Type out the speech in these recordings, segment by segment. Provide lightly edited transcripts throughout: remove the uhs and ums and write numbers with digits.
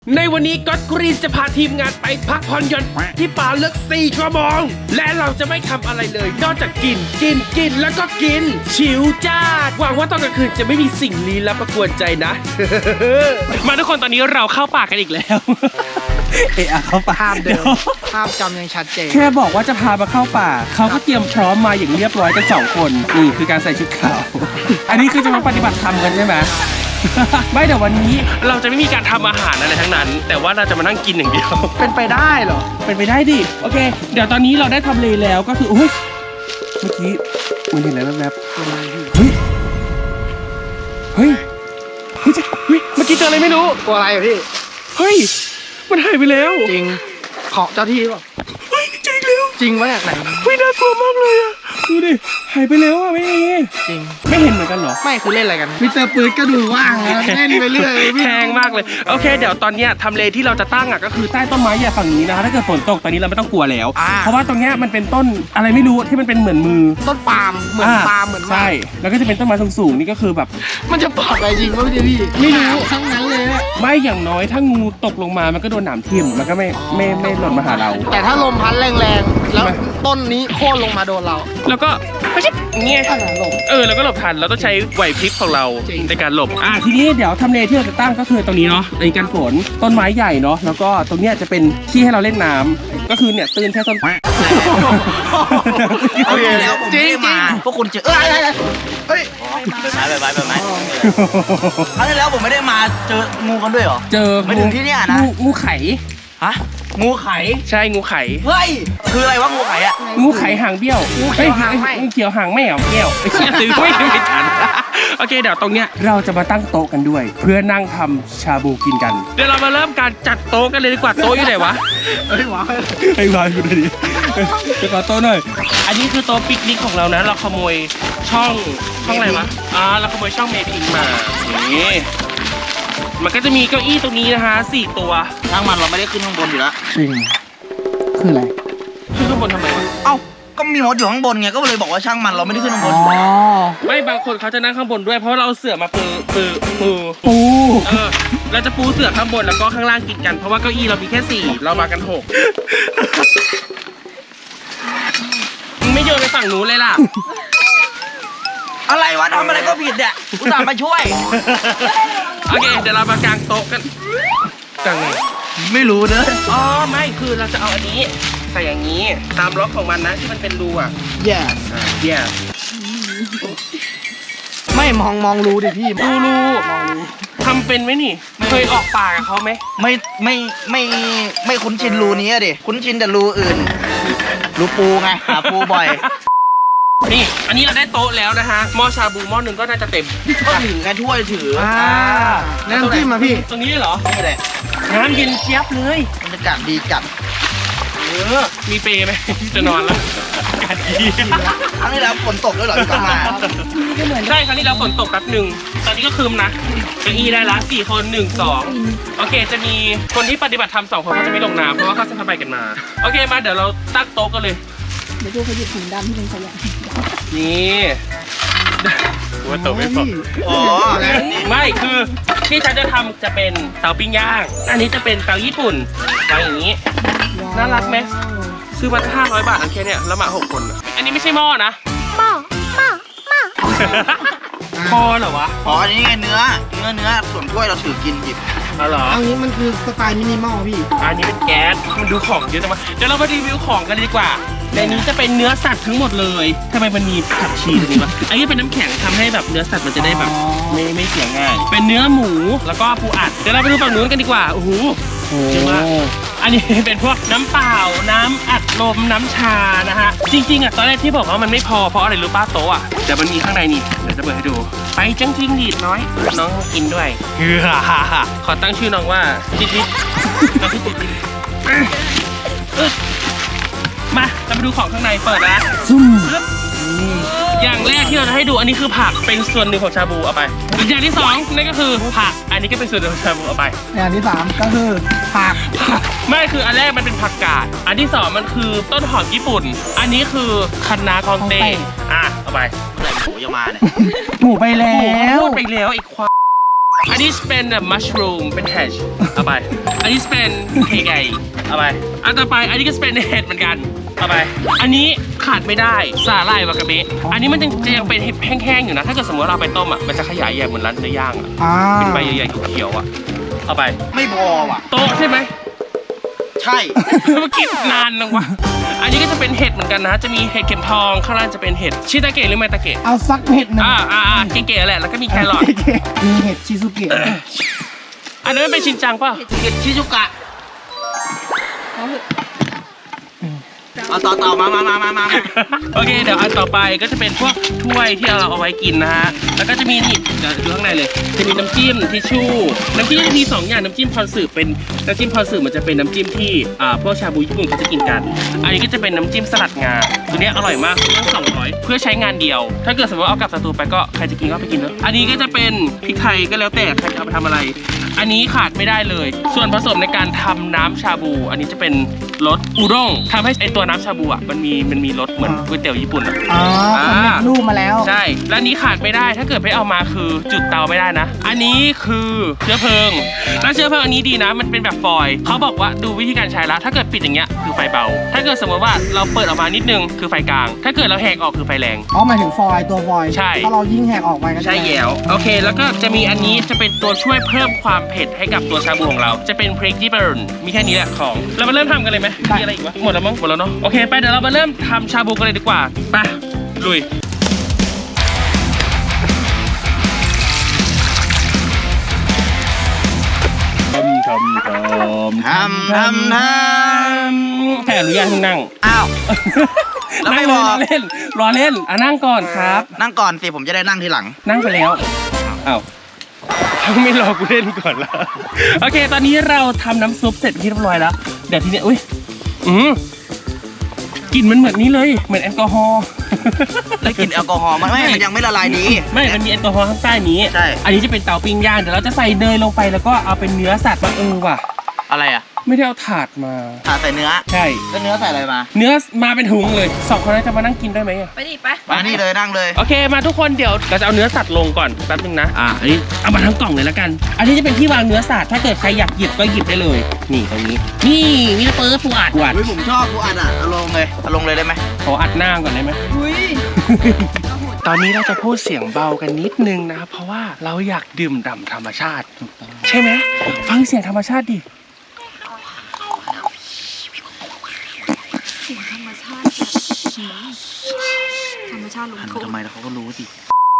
ในวันนี้ก็อตกรีนจะพาทีมงานไปพักผ่อนหย่อนที่ป่าลึก4 ชั่วโมงและเราจะไม่ทำอะไรเลยนอกจากกินแล้วก็กินชิวจ้าหวังว่าตอนกลางคืนจะไม่มีสิ่งลี้ลับมากวนใจนะ มาทุกคนตอนนี้เราเข้าป่ากันอีกแล้วเข้าป่าภาพเดิมภาพจำยังชัดเจนแค่บอกว่าจะพามาเข้าป่าเขาก็เตรียมพร้อมมาอย่างเรียบร้อยกัน2 คนนี่คือการใส่ชุดขาว อันนี้คือจะมาปฏิบัติธรรมกันใช่ไหม ไม่แต่วันนี้เราจะไม่มีการทำอาหารอะไรทั้งนั้น แต่ว่าเราจะมานั่งกินอย่างเดียวเป็นไปได้เหรอเป็นไปได้ดิโอเค เดี๋ยวตอนนี้เราได้ทำเลแล้วก็คือโอ้ยเมื่อกี้มันเห็นอะไรแวบๆเฮ้ยเฮ้ยเมื่อกี้เจออะไรไม่รู้กลัวอะไรอะพี่เฮ้ยมันหายไปแล้วจริงของเจ้าที่ป่ะเฮ้ยจริงแล้วจริงวะเนี่ยไหนเฮ้ยน่ากลัวมากเลยอะดูดิหายไปแล้วอะไม่มีจริงไม่เห็นเหมือนกันเหรอไม่คือเล่นอะไรกันมิสเตอร์ปืนก็ดูว่างนะเล่นไปเรื่อยพี่แพงมากเลยโอเคเดี๋ยวตอนเนี้ยทำเลที่เราจะตั้งอ่ะก็คือใต้ต้นไม้ใหญ่ฝั่งนี้นะคะถ้าเกิดฝนตกตอนนี้เราไม่ต้องกลัวแล้ว เพราะว่าตรงเนี้ยมันเป็นต้นอะไรไม่รู้ที่มันเป็นเหมือนมือต้นปาล์มเหมือนปาล์มเหมือนใช่แล้วก็จะเป็นต้นไม้สูงๆนี่ก็คือแบบมันจะปลอดอะไรจริงวะพี่ไม่รู้ทั้งนั้นเลยอะไม่อย่างน้อยถ้างูตกลงมามันก็โดนหนามทิ่มมันก็ไม่หล่นมาหาเราแต่ถ้าลมพัดแรงๆแล้วทำไมต้นนี้โค่นลงมาโดนเราแล้วก็เงี้ยขนาดลมแล้วก็หลบทันเราต้องใช้ไหวพริบของเราจริงในการหลบทีนี้เดี๋ยวทำเลที่เราจะตั้งก็คือตรงนี้เนาะในการฝนต้นไม้ใหญ่เนาะแล้วก็ตรงเนี้ยจะเป็นที่ให้เราเล่นน้ำก็คือเนี่ยตื่นแค่ต้นโอเคแล้วผมจริไม่งได้จริมาง พวกคุณเจอเฮ้ยใบไม้ครั้งที่แล้วผมไม่ได้มาเจองูกันด้วยเหรอเจอไม่ถึงที่เนี่ยนะงูไข่ฮะงูไข่ใช่งูไข่เฮ้ยคืออะไรวะงูไข่อะงูไข่หางเบี้ยวงูเขียวหางไหม้งูเขียวหางไม่เหรอเบี้ยวไอ้เชี่ยซื้อไม่ทัน โอเคเดี๋ยวตรงเนี้ยเราจะมาตั้งโต๊ะกันด้วย เพื่อนั่งทำชาบูกินกัน เดี๋ยวเรามาเริ่มการจัดโต๊ะกันเลยดีกว่าโต๊ะอยู่ไหนวะเฮ้ยหวานให้วางอยู่ดีไปขอโต๊ะหน่อยอันนี้คือโต๊ะปิกนิกของเรานะเราขโมยช่องอะไรวะเราขโมยช่องเมพิงมานี่มันก็จะมีเก้าอี้ตรงนี้นะคะ4 ตัวช่างมันเราไม่ได้ขึ้นข้างบนอยู่แล้วจริงคืออะไรขึ้นข้างบนทำไมวะเอ้าก็มีมดอยู่ข้างบนไงก็เลยบอกว่าช่างมันเราไม่ได้ขึ้นข้างบนไม่บางคนเขาจะนั่งข้างบนด้วยเพราะว่าเราเอาเสื่อมาปู เราจะปูเสื่อข้างบนแล้วก็ข้างล่างกินกันเพราะว่าเก้าอี้เรามีแค่4เรามากัน6มึงไม่โยนไปฝั่งนู้นเลยล่ะอะไรวะทำอะไรก็ผิดเนี่ยอุตส่าห์มาช่วยโอเคเดี๋ยวเรามากางโต๊ะกันกางไงไม่รู้เนอะไม่คือเราจะเอาอันนี้ใส่อย่างนี้ตามล็อกของมันนะที่มันเป็นรูอ่ะแย่ yeah ไม่มองรู้ดิพี่รูทำเป็นไหมนี่เคยออกป่ากับเขาไหมไม่คุ้นชินรูนี้อะดิคุ้นชินแต่รูอื่นรูปูไงหาปูบ่อยนี่อันนี้เราได้โต๊ะแล้วนะฮะหม้อชาบูหม้อหนึ่งก็น่าจะเต็มก็ถือไงถ้วยถือนั่นพี่มาพี่ตรงนี้เลยเหรอนี่แหละน้ำเย็นเจี๊ยบเลยบรรยากาศดีจัดมีเปรย์ไหม จะนอนแล้วอากาศดีครั้งที่แล้วฝนตกด้วยเหรอที่ต้องมาใช่ครั้งนี้เราฝนตกแป๊บหนึ่งตอนนี้ก็คืมนะเก้าอี้ได้ละ4 คน 1 2โอเคจะมีคนที่ปฏิบัติธรรม2 คนเขาจะไม่ลงน้ำเพราะว่าเขาจะทำไปกันมาโอเคมาเดี๋ยวเราตั้งโต๊ะกันเลยเดี๋ยวดูเขาหยิบถุงดำที่เป็นขยะนี่ว่าโต๊ะไม่พออ๋อไม่คือที่ฉันจะทำจะเป็นเตาปิ้งย่างอันนี้จะเป็นเตาญี่ปุ่นวางอย่างนี้ น่ารักไหม ซื้อมา500 บาทอันแค่เนี้ยแล้วมา6 คนอะอันนี้ไม่ใช่หม้อนะหม้อเหรอวะอ๋ออันนี้ไงเนื้อส่วนถ้วยเราถือกินหยิบอ๋อเหรอเอางี้มันคือสไตล์มินิมอลพี่อันนี้เป็นแก๊สมันดูของเยอะจังวะเดี๋ยวเรามารีวิวของกันเลยดีกว่าในนี้จะเป็นเนื้อสัตว์ทั้งหมดเลยทำไมมันมีผักชีตรงนี้วะอันนี้เป็นน้ำแข็งทำให้แบบเนื้อสัตว์มันจะได้แบบไม่เสียง่าย เป็นเนื้อหมูแล้วก็ปูอัดเดี๋ยวเราไปดูฝั่งนู้นกันดีกว่าโอ้โหเยอะมากอันนี้เป็นพวกน้ำเปล่าน้ำอัดลมน้ำชานะฮะจริงๆอ่ะตอนแรกที่บอกว่ามันไม่พอเพราะอะไรรู้ป้าโต๊ะอ่ะเดี๋ยวมันมีข้างในนี่เดี๋ยวจะเปิดให้ดูไปจังจริงดีดน้อยน้องมากินด้วยขอตั้งชื่อน้องว่าจิ๊ดน้องชื่อจิ๊ดมาเราไปดูของข้างในเปิดนะอย่างแรกที่เราจะให้ดูอันนี้คือผักเป็นส่วนหนึ่งของชาบูเอาไปอย่างที่2นั่นก็คือผักอันนี้ก็เป็นส่วนหนึ่งของชาบูเอาไปอย่างที่3ก็คือผักไม่คืออันแรกมันเป็นผักกาดอันที่2มันคือต้นหอมญี่ปุ่น อันนี้คือคะน้ากองเต้เอาไปเมื่อไหร่หมูจะมาเนี่ยหมูไปแล้วพูดไปแล้วไอ้ควายอันนี้เป็นมัชรูมเป็นแฮชเอาไปอันนี้เป็นเคไก่เอาไปอันต่อไปอันนี้ก็เป็นเห็ดเหมือนกันเอาไปอันนี้ขาดไม่ได้สาหร่ายวากาเบะอันนี้มันจะยังเป็นแห้งๆอยู่นะถ้าเกิดสมมติเราไปต้มอ่ะมันจะขยายใหญ่เหมือนร้านเนื้อย่างอ่ะเป็นใบใหญ่ๆเขียวๆอ่ะเอาไปไม่พอว่ะโต๊ะใช่ไหมใช่เมื่อกี้นานนังวะอันนี้ก็จะเป็นเห็ดเหมือนกันนะจะมีเห็ดเข็มทองข้างล่างจะเป็นเห็ดชิตาเกะหรือไมตาเกะเอาสักเห็ดหนึ่งเก๋ๆแหละแล้วก็มีแครอทมีเห็ดชิซุเกะอันนั้นมันเป็นชินจังป่ะเห็ดชิซุกะเอาเถอะเอาต่อมาโอเคเดี๋ยวอันต่อไปก็จะเป็นพวกถ้วยที่เราเอาไว้กินนะฮะแล้วก็จะมีนี่เดี๋ยวดูข้างในเลยจะมีน้ำจิ้มทิชชู่น้ำจิ้มจะมี2อย่างน้ำจิ้มคอนสึเป็นน้ำจิ้มคอนสึมันจะเป็นน้ำจิ้มที่พวกชาบูญี่ปุ่นเขาจะกินกัน อันนี้ก็จะเป็นน้ำจิ้มสลัดงาตัวนี้อร่อยมากต้อง200เพื่อใช้งานเดียว ถ้าเกิดสมมติเอากลับสตูไปก็ใครจะกินก็ไปกินเนอะอันนี้ก็จะเป็นพริกไทยก็แล้วแต่ใครจะเอาไปทำอะไร อันนี้ขาดไม่ได้เลย ส่วนผสมในการทำน้ำชาบู อันนี้จะเป็นรสอุด้งทำให้ไอตัวน้ำชาบูอ่ะมันมีรสเหมือนก๋วยเตี๋ยวญี่ปุ่นอ่ะอ๋อผมเห็นรูปมาแล้วใช่ และอันนี้ขาดไม่ได้ถ้าเกิดไม่เอามาคือจุดเตาไม่ได้นะ อันนี้คือเชื้อเพลิงแล้วเชื้อเพลิงอันนี้ดีนะ มันเป็นแบบฟอยล์เขาบอกว่าดูวิธีการใช้ละถ้าเกิดปิดอย่างเงี้ยคือไฟเบา ถ้าเกิดสมมติว่าเราเปิดออกมานิดนึงคือไฟกลาง ถ้าเกิดเราแหกออกคือไฟแรงอ๋อหมายถึงฟอยล์ตัวฟอยล์ใช่ถ้าเรายิ่งแหกออกไปก็จะใช่แยวโอเค แล้วก็จะมีอันนี้จะเป็นตัวช่วยเพิ่มความเผ็ดให้กับตัวชาบูของเรา จะเป็นพริกที่เบิร์นมีแค่นี้แหละของเรามาเริ่มทำกันเลยไหมมีอะไรอีกวะหมดแล้วมั้งหมดแล้วเนาะโอเคไปเดี๋ยวเรามาเริ่มทำชาบูกันเลยดีกว่าไปลุยแค่อนุญาตให้นั่งอ้าวแล้วไม่บอกรอเล่นนั่งก่อนครับนั่งก่อนสิผมจะได้นั่งทีหลังนั่งไปแล้วอ้าวไม่รอกูเล่นก่อนละโอเค ตอนนี้เราทำน้ำซุปเสร็จที่เรียบร้อยแล้ว เดี๋ยวทีนี้อุ้ยกลิ่นมันเหมือนนี้เลย เหมือนแอลกอฮอล์แล้วกินแอลกอฮอล์มันยังไม่ละลายดีไม่มันมีแอลกอฮอล์ข้างใต้นี้ใช่อันนี้จะเป็นเตาปิ้งย่าง เดี๋ยวเราจะใส่เนยลงไปแล้วก็เอาเป็นเนื้อสัตว์มาว่ะอะไรอ่ะไม่ได้เอาถาดมาถาใส่เนื้อใช่แล้วเนื้อใส่อะไรมาเนื้อมาเป็นถุงเลย2 คนนั้นจะมานั่งกินได้ไหมอะไปดิไปมานี่เลยนั่งเลยโอเคมาทุกคนเดี๋ยวเราจะเอาเนื้อสัตว์ลงก่อนแป๊บนึงนะอันนี้เอามาทั้งกล่องเลยแล้วกัน อันนี้จะเป็นที่วางเนื้อสัตว์ถ้าเกิดใครอยากหยิบก็หยิบได้เลย นี่ตรงนี้ นี่มีเปิร์ปูอัดอุ้ยผมชอบกูอัดอ่ะเอาลงเลยได้ไหมขออัดหน้าก่อนได้ไหมอุ้ยตอนนี้เราจะพูดเสียงเบากันนิดนึงนะครับเพราะว่าเราอยากดื่มด่ำธรรมชาติใช่ไหมฟังเสียงธรรมชาติดิเสียงธรรมชาติธรรมชาติลงหันโทมาษทำไมแล้วเขาก็รู้สิ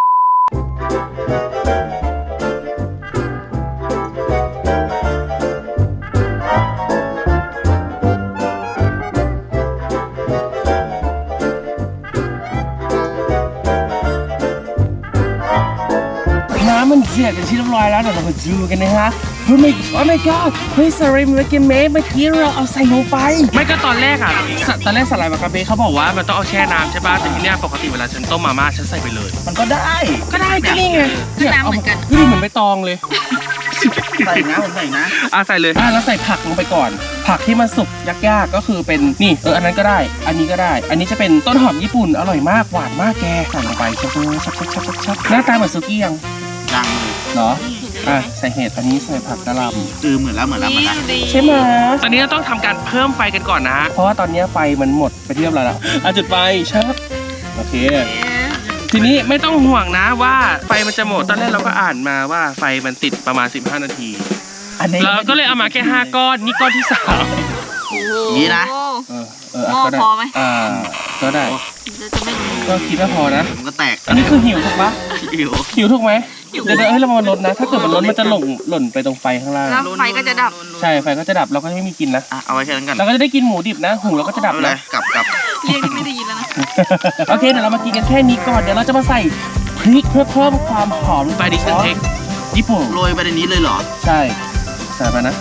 น้ำมันเดือดเป็นที่เรียบร้อยแล้วเดี๋ยวเรามาดูกันนะฮะเฮ้ยโอ้ my god เฮ้ยสไลด์เมื่อกี้เราเอาใส่ลงไปไม่ก็ตอนแรกตอนแรกสไลด์วากาเบะเขาบอกว่ามันต้องเอาแช่น้ำใช่ป่ะแต่ทีเนี้ยปกติเวลาฉันต้มมาม่าฉันใส่ไปเลยมันก็ได้ก็นี่ไงน้ำเหมือนกันดูดิเหมือนใบตองเลยใส่นะผมใส่นะใส่เลยแล้วใส่ผักลงไปก่อน ผักที่มันสุกยากๆก็คือเป็นนี่อันนั้นก็ได้ อันนี้ก็ได้ อันนี้จะเป็นต้นหอมญี่ปุ่นอร่อยมากหวานมากแกใส่ลงไปชับหน้าตาเหมือนซุกี้ยังยังเลยเหรอใส่เห็ดอันนี้ใส่ผักกะหล่ำเหมือนแล้วใช่ไหมตอนนี้เราต้องทำการเพิ่มไฟกันก่อนนะเพราะว่าตอนนี้ไฟมันหมดไปเรียบร้อยแล้วจุดไฟชับโอเค ทีนี้ไม่ต้องห่วงนะว่าไฟมันจะหมดตอนแรกเราก็อ่านมาว่าไฟมันติดประมาณ15 นาทีอันนี้เราก็เลยเอามาแค่5 ก้อนนี่ก้อนที่3 นี่นะหม้อก็ได้พอไหมก็ได้จะไม่รู้ก็คิดว่าพอนะผมก็แตกอันนี้คือหิวถูกปะหิวหิวถูกไหมเดี๋ยวให้เรามาลดนะ ถ้าเกิดมันลดมันจะหล่นไปตรงไฟข้างล่างแล้วไฟก็จะดับใช่ไฟก็จะดับเราก็จะไม่มีกินนะเอาไว้แค่นั้นกันเราก็จะได้กินหมูดิบนะหูเราก็จะดับเลนะยกลับเรียกนี่ไม่ได้ยินแล้วนะโอเคเดี๋ยวเรามากินกันแค่นี้ก่อนเดี๋ยวเราจะมาใส่พริกเพื่อเพิ่มความหอมไปดิฉันเทคญี่ปุ่นโรยไปในนี้เลยเหรอใช่ใส่ไปนะ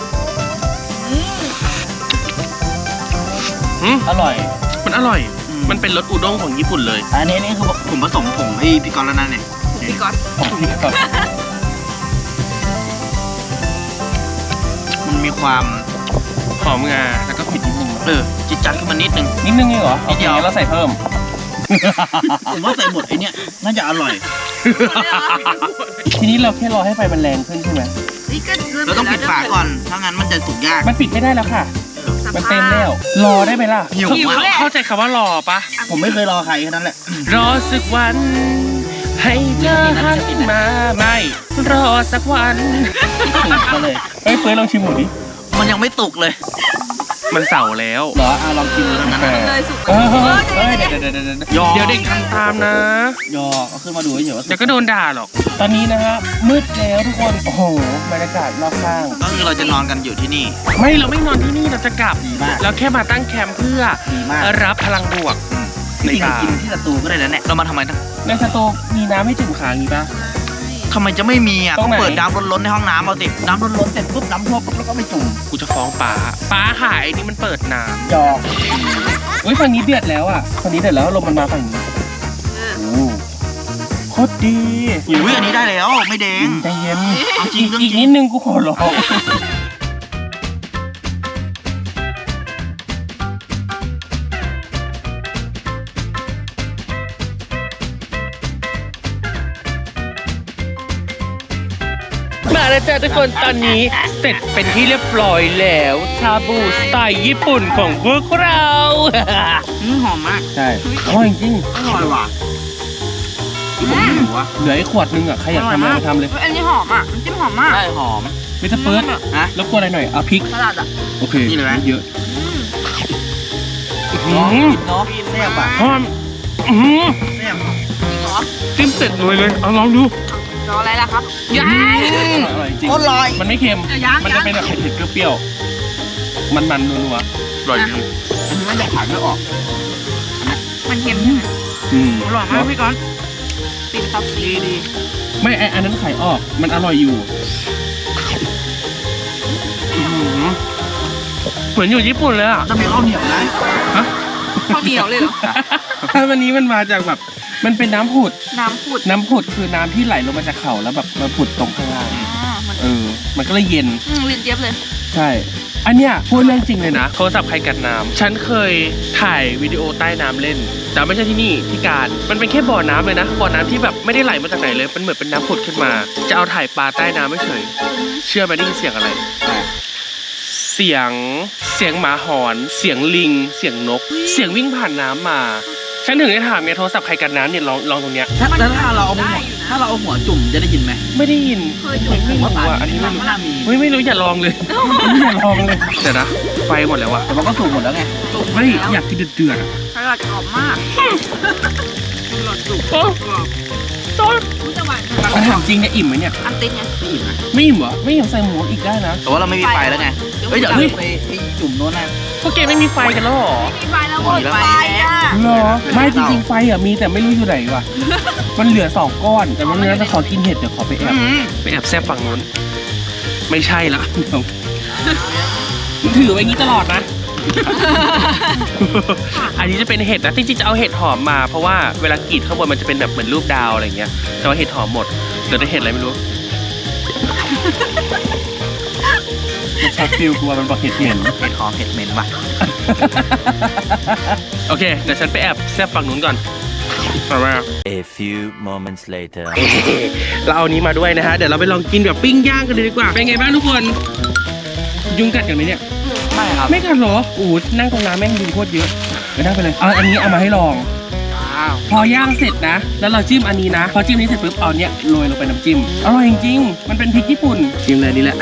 อร่อยมันอร่อยมันเป็นรสอุด้งของญี่ปุ่นเลยอันนี้คือผมผสมผงให้พี่กรณ์แล้วนั่นเนี่ยพี่ก๊อตมันมีความหอมงาแล้วก็ผิดนิดนึงจิตจัดขึ้นมานิดนึงนิดนึงเองเหรอโอเคเราใส่เพิ่มผมว่าใส่หมดไอเนี้ยน่าจะอร่อยทีนี้เราแค่รอให้ไฟมันแรงขึ้นใช่ไหมนี่ก็เราต้องปิดฝาก่อนถ้างั้นมันจะสุกยากมันปิดไม่ได้แล้วค่ะ มันเต็มแล้ว รอได้ไหมล่ะหิวเข้าใจคำว่ารอปะผมไม่เคยรอใครแค่นั้นแหละรอสักวัน ให้เธอหันมาไม่รอสักวันสุกมาเลยเฮ้ยเฟิร์สลองชิมหมูดิมันยังไม่สุกเลยมันเสาแล้วเหรอลองกินดูทั้งนั้นเลยสุกเออเฮ้ยเฮ้ยเดี๋ยวเด็กทำตามนะยอเอาขึ้นมาดูเฉยๆว่าสุเดี๋ยวก็โดนด่าหรอก ตอนนี้นะฮะมืดแล้วทุกคน โอ้โหบรรยากาศรอบข้างก็คือเราจะนอนกันอยู่ที่นี่เราไม่นอนที่นี่เราจะกลับดีมากเราแค่มาตั้งแคมป์เพื่อดีมากรับพลังบวก ในจริงป่าๆกินที่สตูก็ได้แล้วเนี่ยเรามาทำไมนะในสโตกมีน้ำให้จุ่มขาอย่างนี้ปะทำไมจะไม่มีอ่ะตรต้อง งไหนเปิดน้ำล้นๆในห้องน้ำเอาสิน้ำล้นๆเสร็จปุ๊บน้ำท่วมปุ๊บแล้วก็ไปจุ่มกูจะฟ้องป้าขายนี่มันเปิดน้ยอำเฮ้ยฝั่งนี้เดือดแล้วอ่ะฝั่งนี้เดือดแล้วลมมันมาฝั่งนี้โอ้โคตรดีอุ้ยอันนี้ได้แล้วไม่แดงใจเย็นเอาจริงเรื่องจริอีงกนิดนึงกูขอร้องมาแล้วจ้าทุกคนตอนนี้เสร็จเป็นที่เรียบร้อยแล้วชาบูสไตล์ญี่ปุ่นของพวกเราหอมมากใช่อร่อยจริงอร่อยว่ะที่ผมไม่รู้ว่าเหลือไอ้ขวดนึงอ่ะใครอยากทำอะไรมาทำเลยอันนี้หอมอ่ะน้ำจิ้มหอมมากได้หอมมิสเตอร์เฟิร์สฮะรบกวนอะไรหน่อยเอาพริกสลัดอ่ะโอเคนี่เลยไหมเยอะน้องน้องแซ่บอ่ะหอมอื้อหือแซ่บจริงเหรอจิ้มเสร็จเลยเอาลองดูรออะไรล่ะครับยังอร่อยจริงโคตรลอยมันไม่เค็มยังมันจะเป็นแบบเผ็ดๆเปรี้ยวๆมันๆนัวๆอร่อยจริงอันนี้มันจะขายไม่ออกมันเค็มใช่ไหมอืมอร่อยมากพี่ก้อนปิดครับดีดีไม่อันนั้นไข่ออกมันอร่อยอยู่อื้อหือเหมือนอยู่ญี่ปุ่นเลยอ่ะจะมีข้าวเหนียวนะฮะข้าวเหนียวเลยเหรอวันนี้มันมาจากแบบมันเป็นน้ำผุดน้ำผุดน้ำผุดคือน้ำที่ไหลลงมาจากเขาแล้วแบบมาผุดตรงข้างล่างมันมันก็เลยเย็นลิ้นเจี๊ยบเลยใช่ อันเนี้ยพูดเรื่องจริงเลยนะโทรศัพท์ใครกันน้ำฉันเคยถ่ายวิดีโอใต้น้ำเล่น แต่ไม่ใช่ที่นี่ที่การมันเป็นแค่บ่อน้ำเลยนะบ่อน้ำที่แบบไม่ได้ไหลมาจากไหนเลยมันเหมือนเป็นน้ำผุดขึ้นมา จะเอาถ่ายปลาใต้น้ำไม่เฉยเชื่อไหมได้ยินเสียงอะไร เสียงหมาหอน เสียงลิง เสียงนก เสียงวิ่งผ่านน้ำมา ฉันถึงได้ถามไงโทรศัพท์ใครกันน้ำเนี่ยลองตรงเนี้ยแล้วถ้าเราเอาหัวถ้าเราเอาหัวจุ่มจะได้ยินไหมไม่ได้ยินเคยจุ่มไม่รู้อ่ะอันนี้ไม่รู้น่ามีไม่รู้อย่าลองเลยอย่าลองเลยเดี๋ยวนะไฟหมดแล้วอะแต่มันก็สุกหมดแล้วไงเฮ้ยอยากกินเดือดๆอะสลัดกรอบมากสลัดสุกโอ้กรอบต้นรู้จะหวานถามจริงเนี่ยอิ่มไหมเนี่ยอันติดไงไม่อิ่มนะไม่อิ่มเหรอไม่อิ่มใส่หมูอีกได้นะแต่ว่าเราไม่มีไฟแล้วไงเฮ้ยเดี๋ยวไปจุ่มโน้นนะพวกแกไม่มีไฟกันแล้วเหรอมีไฟแล้วหมดไฟอ่ะเหรอไม่จริงๆไฟอะมีแต่ไม่รู้อยู่ไหนว่ะมันเหลือ2 ก้อนแต่วันนี้จะขอกินเห็ดเดี๋ยวขอไปแอบแซบฝั่งนู้นไม่ใช่ละถือไว้งี้ตลอดนะ อันนี้จะเป็นเห็ดนะจริงๆจะเอาเห็ดหอมมาเพราะว่าเวลากรีดข้างบนมันจะเป็นแบบเหมือนรูปดาวอะไรเงี้ยแต่ว่าเห็ดหอมหมดเหลือแต่เห็ดอะไรไม่รู้มันชักฟิลกลัวมันบอกเห็ดเหม็นเห็ดหอมเห็ดเหม็นว่ะโอเคเดี๋ยวฉันไปแอบแซบฝั่งนู้นก่อนมา A few moments later. เราเอานี้มาด้วยนะฮะเดี๋ยวเราไปลองกินแบบปิ้งย่างกันเลยดีกว่าเป็นไงบ้างทุกคนยุงกัดกันไหมเนี่ยไม่ครับไม่กัดเหรออู้นั่งตรงน้ำแม่งยุงโคตรเยอะไปนั่งไปเลยเอาอันนี้เอามาให้ลอง พอย่างเสร็จนะ แล้วเราจิ้มอันนี้นะ พอจิ้มนี้เสร็จปุ๊บเอาเนี้ยโรยลงไปน้ำจิ้ม อร่อยจริงๆ มันเป็นพริกญี่ปุ่นจิ้มเลยนี่แหละ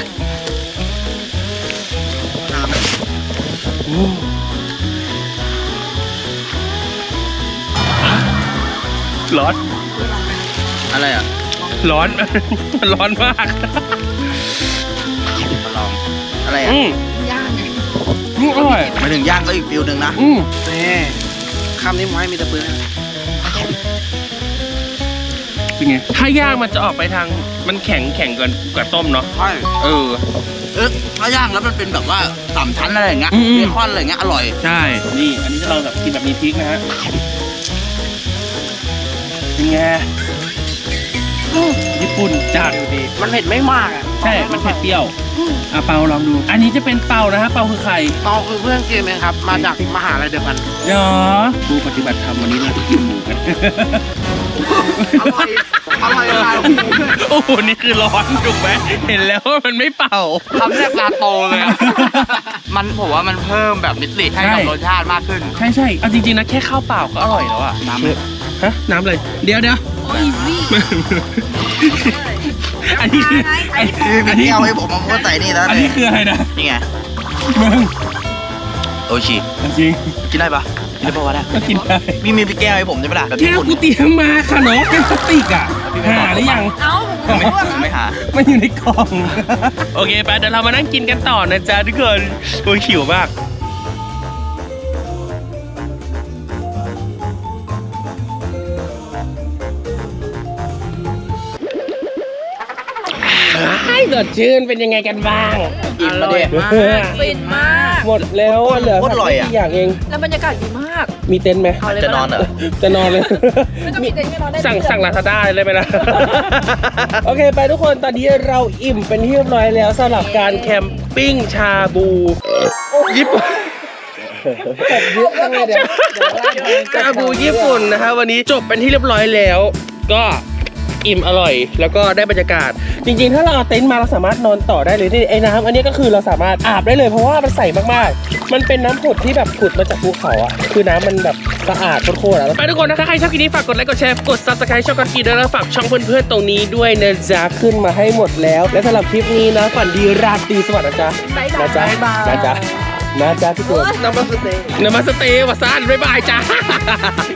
อืมร้อนอะไรอ่ะร้อน ร้อนมากมาลองอะไรอ่ะย่างไงอร่อยหมายถึงย่างก็อีกฟิลหนึ่งนะนี่คำนี้ผมให้มีแต่ปืนเป็นไง ถ้าย่างมันจะออกไปทาง มันแข็งกว่าต้มเนาะใช่เออถ้าย่างแล้วมันเป็นแบบว่าสามชั้นอะไรอย่างเงี้ยอืมเบคอนอะไรอย่างเงี้ยอร่อยใช่ นี่ อันนี้จะลองแบบกินแบบมีพริกนะฮะเป็นไงญี่ปุ่นปุ่นจัดมันเผ็ดไม่มากอ่ะใช่ มันเผ็ดเปรี้ยวเปาลองดู อันนี้จะเป็นเปานะฮะเปาคือใครเราคือเพื่อนเกมเองครับ มาจากมหาลัยเดียวกันเนาะผู้ปฏิบัติธรรมวันนี้เราจะกินหมูกันอร่อยอร่อยอร่อยโอ้โห นี่คือร้อนถูกไหมเห็นแล้วว่ามันไม่เป่าทำแรกปลาโตเลยอะมันผมว่ามันเพิ่มแบบมิติให้กับรสชาติมากขึ้นใช่ใช่เอาจริงๆนะแค่ข้าวเปล่าก็อร่อยแล้วอะน้ำเลยฮะ น้ำเลย เดี๋ยวอันนี้คืออันนี้เอาให้ผมมาพูดใส่นี่แล้วอันนี้คืออะไรนะนี่ไงมึงโอชิจริงกินได้ปะกินได้ปะวะเนี่ยก็กินได้มีพี่แก้วให้ผมใช่ปะล่ะแบบแก้ญี่วปุ่นกูเตรียมมาค่ะน้องแก้วพลาสติกอ่ะหาหรือยังไม่หามันอยู่ในกล่อง โอเคไปเดี๋ยวเรามานั่งกินกันต่อนะจ๊ะทุกคนโอ้ยหิวมากสดชื่นเป็นยังไงกันบ้างอิ่มมาเด็ดฟินมากหมดแล้วเหลือโคตรอร่อยอะไม่กี่อย่างเองแล้วบรรยากาศดีมากมีเต็นท์ไหมเอาเลยจะนอนเหรอจะนอนเลยไม่ต้องมีเต็นท์ไม่นอนได้สั่งลาซาด้าเลยไหมล่ะ โอเคไปทุกคนตอนนี้เราอิ่มเป็นที่เรียบร้อยแล้วสำหรับการแคมปิ้งชาบูญี่ปุ่นชาบูญี่ปุ่นนะฮะวันนี้จบเป็นที่เรียบร้อยแล้ว ก็อิ่มอร่อยแล้วก็ได้บรรยากาศ จริงๆ ถ้าเราเอาเต็นท์มาเราสามารถนอนต่อได้เลยนี่ไอ้น้ำอันนี้ก็คือเราสามารถอาบได้เลยเพราะว่ามันใสมากๆมันเป็นน้ำผุดที่แบบผุดมาจากภูเขาอ่ะคือน้ำมันแบบสะอาดโคตรๆอ่ะไปทุกคนนะถ้าใครชอบคลิปนี้ฝากกดไลค์กดแชร์กด Subscribe ช่องกอนกีด้วยแล้วฝากช่องเพื่อนๆตรงนี้ด้วยนะจ๊ะขึ้นมาให้หมดแล้ว และสำหรับคลิปนี้นะฝันดีราตรีสวัสดิ์นะจ๊ะนะจ๊ะนะจ๊ะนะจ๊ะทุกคนน้ำมันสเต็กนมัสเตย์วะซ่านบ๊ายบายจ้า